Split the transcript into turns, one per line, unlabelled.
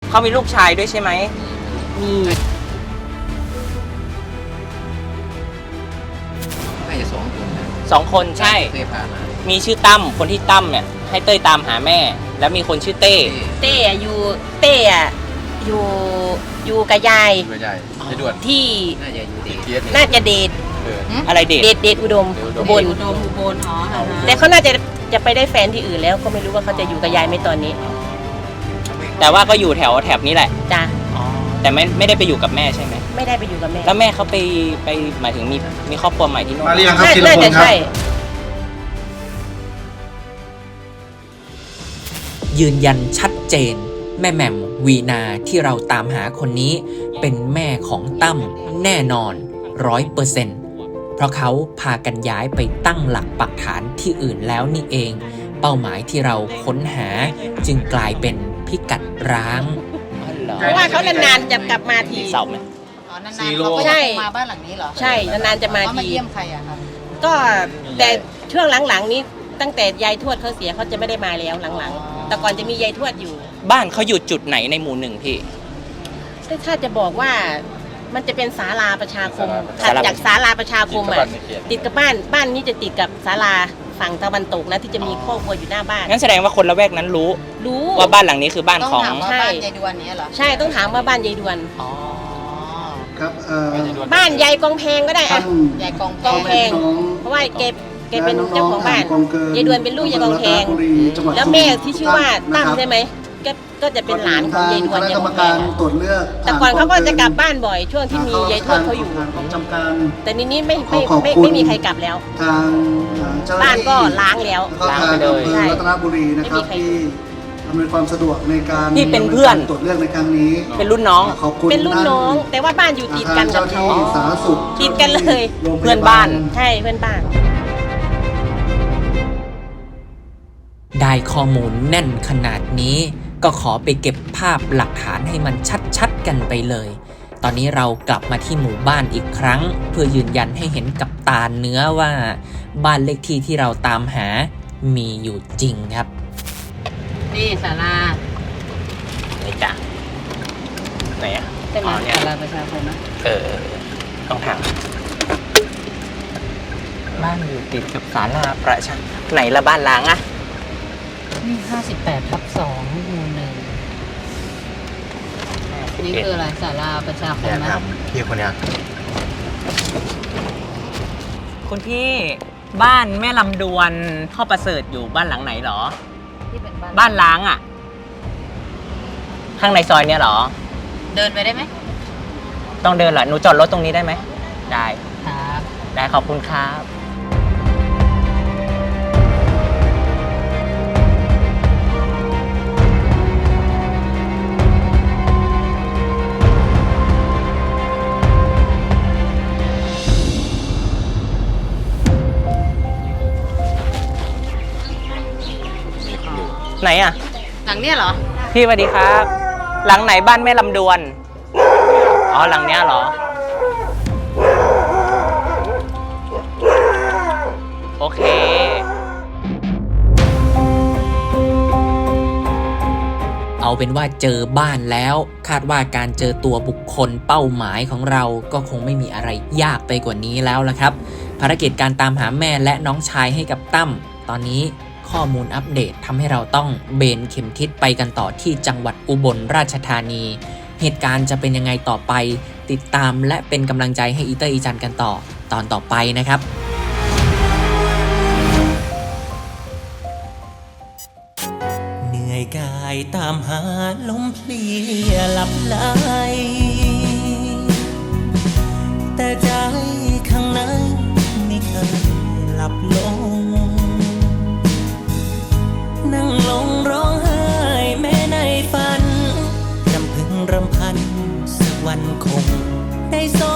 เขามีลูกชายด้วยใช่ไหมมี
น่าจะ
2 คนใช่
เคยพามา
มีชื่อตั้มคนที่ตั้มเนี่ยให้เต้ยตามหาแม่ แล้วมีคนชื่อเต้
อยู่กับยายที่น่าจะเดท
อะไรเด
ทอุดมอุบลอ๋อแต่เขาน่าจะไปได้แฟนที่อื่นแล้วก็ไม่รู้ว่าเขาจะอยู่กับยายไหมตอนนี้
แต่ว่าก็อยู่แถบนี้แหละ
จ้ะ
แต่ไม่ได้ไปอยู่กับแม่ใช่ไหม
ไม่ได้ไปอยู่กับแม่
แล้วแม่เขาไปหมายถึงมีครอบครัวใหม่ที่นู่น
มาเรียงครับทีละคนครับ
ยืนยันชัดเจนแม่แหม่มวีนาที่เราตามหาคนนี้เป็นแม่ของตั้มแน่นอน 100%เพราะเขาพากันย้ายไปตั้งหลักปักฐานที่อื่นแล้วนี่เองเป้าหมายที่เราค้นหาจึงกลายเป็นพิกัดร้าง
เพราะว่าเขานานๆจะกลับมาที
เสาไหม
นานๆเขาก็จะมาบ้านหลังนี้เหรอ
ใช่นานๆจะมาที
มาเยี่ยมใครอะครับ
ก็แต่ช่วงหลังๆนี้ตั้งแต่ยายทวดเขาเสียเขาจะไม่ได้มาแล้วหลังๆแต่ก่อนจะมียายทวดอยู่
บ้านเขาอยู่จุดไหนในหมู่หนึ่งพี่
ถ้าจะบอกว่ามันจะเป็นศาลาประชาคมถัดจากศาลาประชาคมอ่ะติดกับบ้านนี้จะติดกับศาลาฝั่งตะวันตกนะที่จะมีครอบครัวอยู่หน้าบ้าน
งั้นแสดงว่าคนละแวกนั้นรู้ว่าบ้านหลังนี้คือบ้านของ
ใช่บ้านยายดวนนี้เหรอ
ใช่ต้องถามว่าบ้านยายดวน
ครับ
บ้านยายกองแพงก็ได้อะ
ยายกอง
แพงเพราะว่าแกเป็นเจ้าของบ้านยายดวนเป็นลูกยายกองแพงแล้วแม่ที่ชื่อว่าตั้มใช่ไหมก็จะเป็นหลานของยายดวนยายกองแพงแต่ก่อนเขาก็จะกลับบ้านบ่อยช่วงที่มียายทวดเขาอยู่แต่นี้ไม่มีใครกลับแล้วบ้านก็ล้างแล้ว
ล้างไปเลยรัตนบุรีนะครับที่อำนวยความสะดวกในการ
ที่เป็นเพื่อน
ตรวจเลือกในครั้งนี้
เป็นรุ่นน้อง
เป็นรุ่นน้องแต่ว่าบ้านอยู่ติดกันกับเขาติดกันเลย
เพื่อนบ้าน
ใช่เพื่อนบ้าน
ได้ข้อมูลแน่นขนาดนี้ก็ขอไปเก็บภาพหลักฐานให้มันชัดๆกันไปเลยตอนนี้เรากลับมาที่หมู่บ้านอีกครั้งเพื่อยืนยันให้เห็นกับตาเนื้อว่าบ้านเลขที่ที่เราตามหามีอยู่จริงครับ
นี่ศาลา
นี่จ้ะไหนอ่ะ
เป็นศาลาประชาคมนะ
ต้องถามบ้านอยู่ติดกับศาลาประชาไหนละบ้านล้างอ่ะ
นี่58/2หมู่ 1นี่คืออะไรศาลาประชาคมนะ
พี่คนนี้
คุณพี่บ้านแม่ลำดวนพ่อประเสริฐอยู่บ้านหลังไหนหรอ
ที่เป็น
บ้านล้างอ่ะข้างในซอยเนี้ยหรอ
เดินไปได้ไหม
ต้องเดินเหรอหนูจอดรถตรงนี้ได้ไหมได้
ครับ
ได้ขอบคุณครับไหนอ่ะ
หลังเนี้ยเหรอ
พี่สวัสดีครับหลังไหนบ้านแม่ลำดวนอ๋อหลังเนี้ยเหรอโอเค
เอาเป็นว่าเจอบ้านแล้วคาดว่าการเจอตัวบุคคลเป้าหมายของเราก็คงไม่มีอะไรยากไปกว่านี้แล้วละครับภารกิจการตามหาแม่และน้องชายให้กับตั้มตอนนี้ข้อมูลอัปเดตทำให้เราต้องเบนเข็มทิศไปกันต่อที่จังหวัดอุบลราชธานีเหตุการณ์จะเป็นยังไงต่อไปติดตามและเป็นกำลังใจให้อีเตอร์อีจันกันต่อตอนต่อไปนะครับเหนื่อยกายตามหาลมเพลียหลับไหลแต่ใจข้างในไม่เคยหลับลงนั่งลงร้องไห้แม้ในฝันรำพึงรำพันสักวันคงได้ส